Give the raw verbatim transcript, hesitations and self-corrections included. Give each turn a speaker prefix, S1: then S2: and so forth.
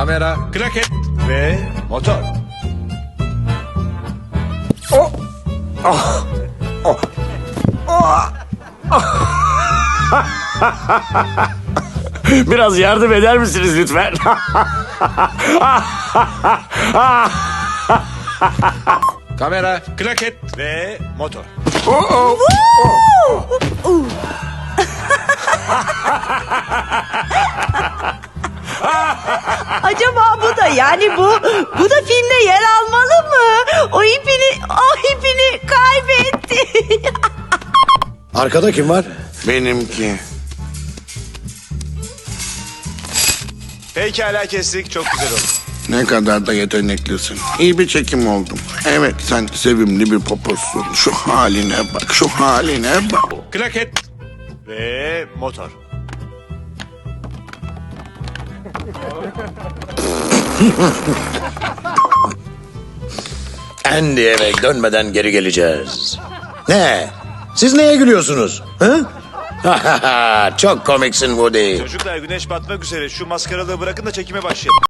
S1: Kamera, klaket ve motor.
S2: Oh. Oh. Oh. Oh. Biraz yardım eder misiniz lütfen?
S1: Kamera, klaket ve motor.
S2: Oh, oh. Oh.
S3: Acaba bu da yani bu bu da filmde yer almalı mı? O ipini o ipini kaybetti.
S4: Arkada kim var?
S2: Benimki.
S1: Pekala kestik, çok güzel oldu.
S5: Ne kadar da yeteneklisin. İyi bir çekim oldum. Evet, sen sevimli bir poposun. Şu haline bak, şu haline bak.
S1: Klaket ve motor.
S4: Andy eve dönmeden geri geleceğiz. Ne? Siz neye gülüyorsunuz? Hı? Çok komiksin Woody.
S1: Çocuklar güneş batmak üzere. Şu maskaralığı bırakın da çekime başlayalım.